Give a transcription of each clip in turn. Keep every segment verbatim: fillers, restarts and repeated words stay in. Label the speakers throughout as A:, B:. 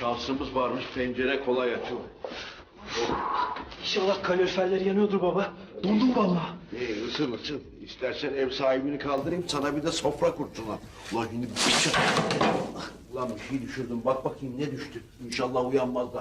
A: Şansımız varmış, pencere kolay açıldı.
B: İnşallah kaloriferler yanıyordur baba. Dondum vallahi.
A: İyi, ısın ısın. İstersen ev sahibini kaldırayım, sana bir de sofra kursunlar. Ulan şimdi bir şey... Ulan bir şey düşürdüm, bak bakayım ne düştü. İnşallah uyanmazlar.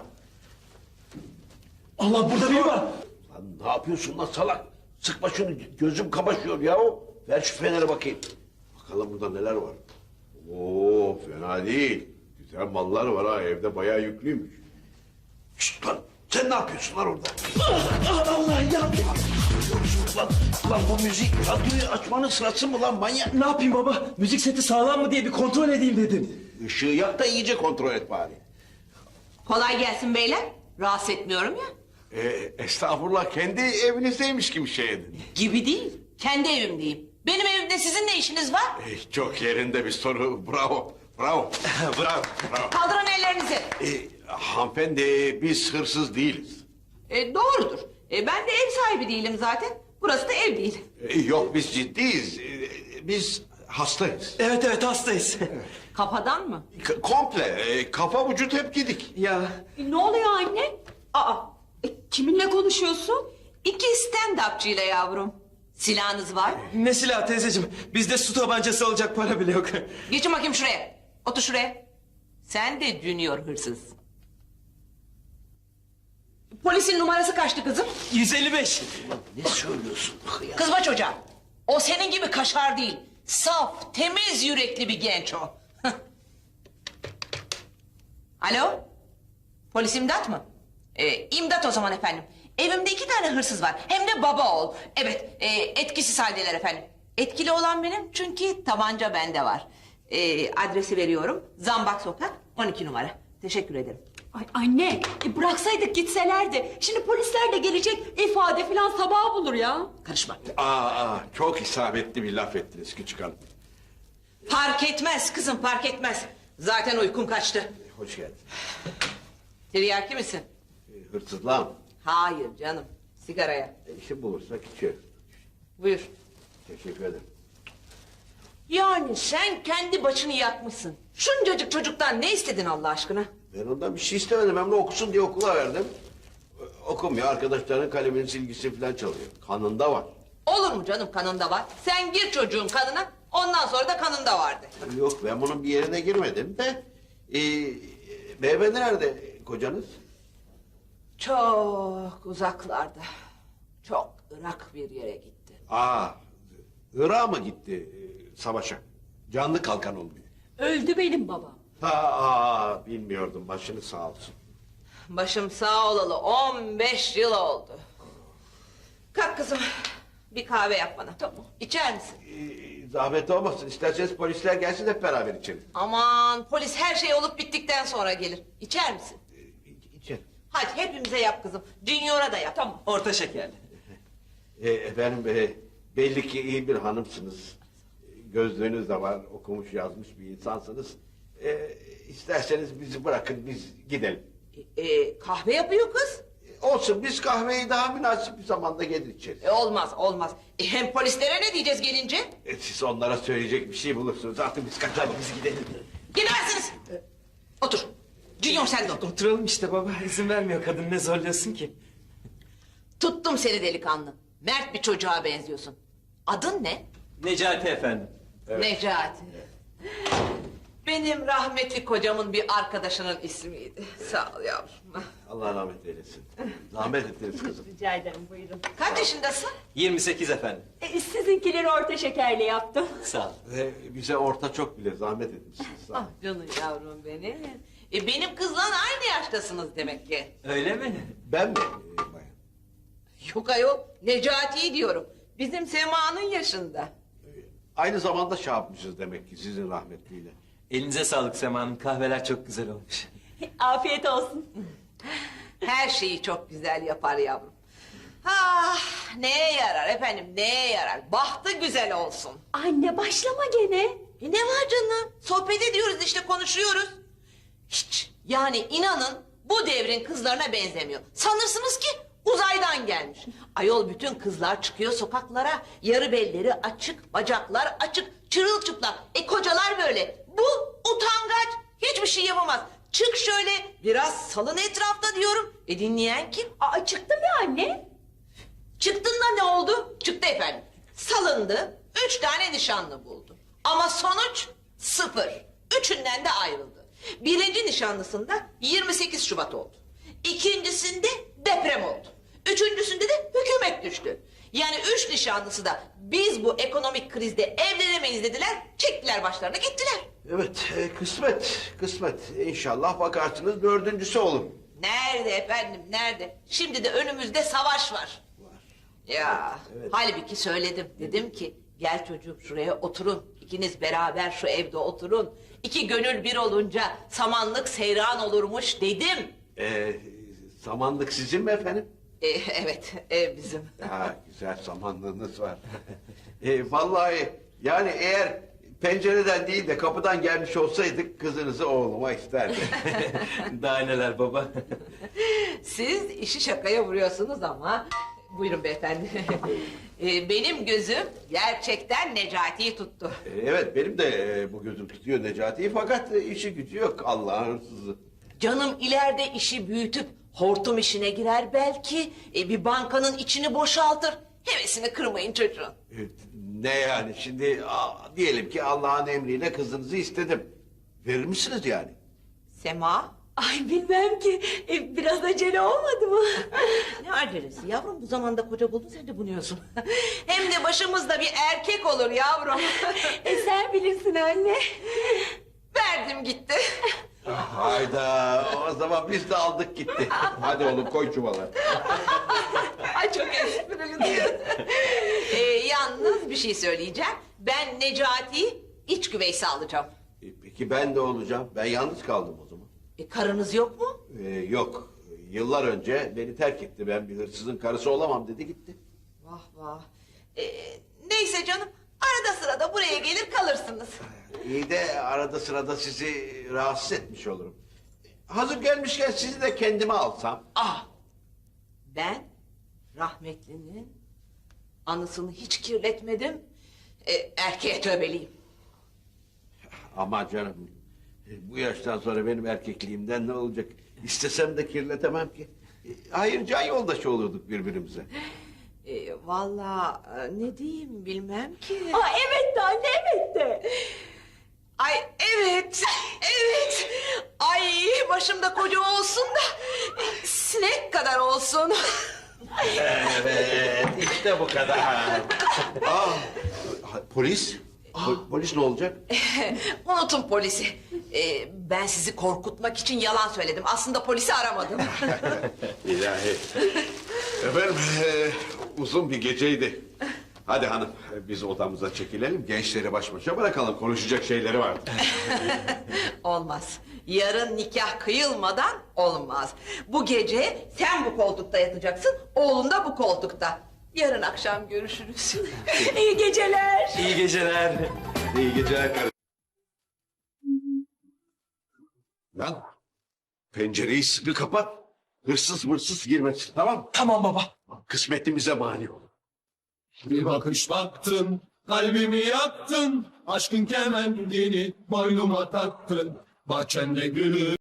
B: Allah, burada biri var.
A: Lan ne yapıyorsun lan salak? Sıkma şunu, gözüm kamaşıyor yahu. Ver şu feneri bakayım. Bakalım burada neler var. Oo, fena değil. Güzel mallar var ha, evde bayağı yüklüymüş. Şşt lan, sen ne yapıyorsun lan orada?
B: Ah, Allah ya.
A: Lan, lan bu müzik, radyoyu açmanın sırası mı lan manyak?
B: Ne yapayım baba? Müzik seti sağlam mı diye bir kontrol edeyim dedim.
A: Işığı yak da iyice kontrol et bari.
C: Kolay gelsin beyler. Rahatsız etmiyorum ya.
A: Ee, estağfurullah, kendi evinizdeymiş gibi şey edin.
C: Gibi değil. Kendi evimdeyim. Benim evimde sizin ne işiniz var?
A: Ee, çok yerinde bir soru, bravo, bravo.
B: Bravo.
A: bravo.
C: Kaldırın ellerinizi.
A: Ee, hanımefendi, biz hırsız değiliz.
C: E, doğrudur. E, ben de ev sahibi değilim zaten. Burası da ev değil.
A: Ee, yok, biz ciddiyiz. Ee, biz hastayız.
B: Evet evet hastayız.
C: Kafadan mı?
A: K- komple, e, kafa vücut hep gidik.
B: Ya
C: E, ne oluyor anne? Aa, e, kiminle konuşuyorsun? İki stand-upçıyla yavrum. Silahınız var mı?
B: ne silah teyzeciğim? Bizde su tabancası alacak para bile yok.
C: Geçin bakayım şuraya. Otur şuraya. Sen de junior hırsız. Polisin numarası kaçtı kızım?
B: yüz elli beş.
A: Ne söylüyorsun? Ya?
C: Kızma çocuğa. O senin gibi kaşar değil. Saf, temiz yürekli bir genç o. Alo? Polis imdat mı? Ee, imdat o zaman efendim. Evimde iki tane hırsız var. Hem de baba oğul. Evet, e, etkisiz haldeler efendim. Etkili olan benim çünkü tabanca bende var. Ee, adresi veriyorum. Zambak Sokak, on iki numara. Teşekkür ederim.
D: Ay anne, e bıraksaydık gitselerdi. Şimdi polisler de gelecek, ifade falan sabah bulur ya.
C: Karışma.
A: Aa, aa, çok isabetli bir laf ettiniz küçük hanım.
C: Fark etmez kızım, fark etmez. Zaten uykum kaçtı.
A: Hoş geldin.
C: Tiryaki misin?
A: Ee, hırsızlığa mı?
C: Hayır canım, sigaraya.
A: E, işi bulursak içeriz.
C: Buyur.
A: Teşekkür ederim.
C: Yani sen kendi başını yakmışsın. Şuncacık çocuktan ne istedin Allah aşkına?
A: Ben ondan bir şey istemedim. Hem de okusun diye okula verdim. Ee, Okumuyor. Arkadaşlarının kaleminin silgisi falan çalıyor. Kanında var.
C: Olur mu canım kanında var? Sen gir çocuğun kanına, ondan sonra da kanında vardı.
A: Yok, ben bunun bir yerine girmedim de. Ee, beyefendi nerede kocanız?
C: Çok uzaklarda, çok ırak bir yere gitti.
A: Aa, Irak'a mı gitti e, savaşa? Canlı kalkan olmuyor.
D: Öldü benim babam.
A: Ha, aa, bilmiyordum. Başınız sağ olsun.
C: Başım sağ olalı on beş yıl oldu. Kalk kızım, bir kahve yap bana. Tamam. İçer misin?
A: Ee, zahmet olmasın. İsterseniz polisler gelsin, hep beraber içelim.
C: Aman, polis her şey olup bittikten sonra gelir. İçer misin?
A: Ee, içelim.
C: Hadi hepimize yap kızım. Junior'a da yap.
D: Tamam.
B: Orta şekerli.
A: Ee, efendim, e, belli ki iyi bir hanımsınız. Ee, Gözlüğünüz de var, okumuş yazmış bir insansınız. Ee, isterseniz bizi bırakın, biz gidelim.
C: E, e, kahve yapıyor kız.
A: Ee, olsun, biz kahveyi daha münasip bir zamanda gelir içeriz.
C: E, olmaz, olmaz. E, hem polislere ne diyeceğiz gelince?
A: Ee, siz onlara söyleyecek bir şey bulursunuz. Artık biz kaçalım, biz gidelim.
C: Gidemezsiniz. Otur. Junior sen de otur.
B: Oturalım işte baba. İzin vermiyor kadın, ne zorluyorsun ki?
C: Tuttum seni delikanlı. Mert bir çocuğa benziyorsun. Adın ne?
B: Necati efendim.
C: Necati. Benim rahmetli kocamın bir arkadaşının ismiydi. Sağ ol yavrum.
A: Allah rahmet eylesin. Zahmet ettiniz kızım.
D: Rica ederim, buyurun.
C: Kaç yaşındasın?
B: yirmi sekiz efendim.
D: E, sizinkileri orta şekerli yaptım.
B: Sağ ol.
A: Ve bize orta çok bile zahmet etmişsiniz. Sağ olun.
C: Ah canım yavrum benim. E, benim kızla aynı yaştasınız demek ki.
B: Öyle mi?
A: Ben mi? Ee, bayan?
C: Yok ayol, Necati'yi diyorum. Bizim Sema'nın yaşında.
A: Aynı zamanda şey yapmışız demek ki sizin rahmetliyle.
B: Elinize sağlık Sema Hanım. Kahveler çok güzel olmuş.
D: Afiyet olsun.
C: Her şeyi çok güzel yapar yavrum. Ah, neye yarar efendim, neye yarar? Bahtı güzel olsun.
D: Anne başlama gene.
C: E ne var canım? Sohbet ediyoruz işte, konuşuyoruz. Hiç, yani inanın bu devrin kızlarına benzemiyor. Sanırsınız ki uzaydan gelmiş. Ayol bütün kızlar çıkıyor sokaklara. Yarı belleri açık, bacaklar açık, çırılçıplak. E kocalar böyle. Bu utangaç, hiçbir şey yapamaz. çık şöyle biraz salın etrafta diyorum. E dinleyen kim?
D: Aa, çıktım ya anne.
C: Çıktın da ne oldu? Çıktı efendim. Salındı, üç tane nişanlı buldu. Ama sonuç sıfır. Üçünden de ayrıldı. Birinci nişanlısında yirmi sekiz Şubat oldu. İkincisinde deprem oldu. Üçüncüsünde de hükümet düştü. Yani üç nişanlısı da biz bu ekonomik krizde evlenemeyiz dediler, çektiler başlarına gittiler.
A: Evet, e, kısmet, kısmet. İnşallah bakarsınız dördüncüsü olur.
C: Nerede efendim, nerede? Şimdi de önümüzde savaş var. Ya, halbuki söyledim. Dedim ki, gel çocuğum şuraya oturun. İkiniz beraber şu evde oturun. İki gönül bir olunca samanlık seyran olurmuş dedim.
A: E, samanlık sizin mi efendim?
C: E, evet, ev bizim.
A: Ha, güzel samanlığınız var. e, vallahi yani eğer pencereden değil de kapıdan gelmiş olsaydık kızınızı oğluma isterdim.
B: Daha neler baba.
C: Siz işi şakaya vuruyorsunuz ama... Buyurun beyefendi. E, benim gözüm gerçekten Necati'yi tuttu.
A: E, evet benim de e, bu gözüm tutuyor Necati'yi fakat e, işi gücü yok Allah'ın hırsızı.
C: Canım ileride işi büyütüp hortum işine girer belki. E, bir bankanın içini boşaltır. Hevesini kırmayın çocuğun.
A: E, ne yani şimdi a, diyelim ki Allah'ın emriyle kızınızı istedim. Verir misiniz yani?
C: Sema?
D: Ay bilmem ki. E, biraz acele olmadı mı?
C: Ne acelesi yavrum, bu zamanda koca buldun sen de bunuyorsun. Hem de başımızda bir erkek olur yavrum.
D: E, sen bilirsin anne.
C: Verdim gitti.
A: Hayda o zaman biz de aldık gitti. Hadi oğlum koy çuvala.
C: Ay çok esprili diyor. e, yalnız bir şey söyleyeceğim. Ben Necati'yi iç güveysi alacağım.
A: E, peki ben de olacağım. Ben yalnız kaldım o zaman.
C: E, karınız yok mu?
A: E, yok. Yıllar önce beni terk etti. Ben bir hırsızın karısı olamam dedi gitti.
C: Vah vah. E, neyse canım, arada sırada buraya gelir kalırsınız.
A: İyi de arada sırada sizi rahatsız etmiş olurum. Hazır gelmişken sizi de kendime alsam.
C: Ah! Ben rahmetlinin anısını hiç kirletmedim. E, erkeğe tövbeliyim.
A: Ama canım e, bu yaştan sonra benim erkekliğimden ne olacak? İstesem de kirletemem ki. E, Hayır can yoldaşı olurduk birbirimize.
C: E, vallahi e, ne diyeyim bilmem ki.
D: Aa, evet de anne, evet de.
C: Ay evet, evet. Ay başımda koca olsun da e, sinek kadar olsun.
A: Evet işte bu kadar. Aa, polis? Po- polis ne olacak?
C: Unutun polisi. E, ben sizi korkutmak için yalan söyledim. Aslında polisi aramadım.
A: İlahi. Efendim e, uzun bir geceydi. Hadi hanım biz odamıza çekilelim. Gençleri baş başa bırakalım. Konuşacak şeyleri vardır.
C: Olmaz. Yarın nikah kıyılmadan olmaz. Bu gece sen bu koltukta yatacaksın, oğlun da bu koltukta. Yarın akşam görüşürüz.
D: İyi geceler.
B: İyi geceler.
A: İyi geceler kardeşim. Lan pencereyi sıkı kapat. Hırsız mırsız girmesin tamam mı?
B: Tamam baba.
A: Kısmetimize mani ol.
E: Bir bakış baktın, kalbimi yaktın, aşkın kemendini boynuma taktın, bahçende gülü.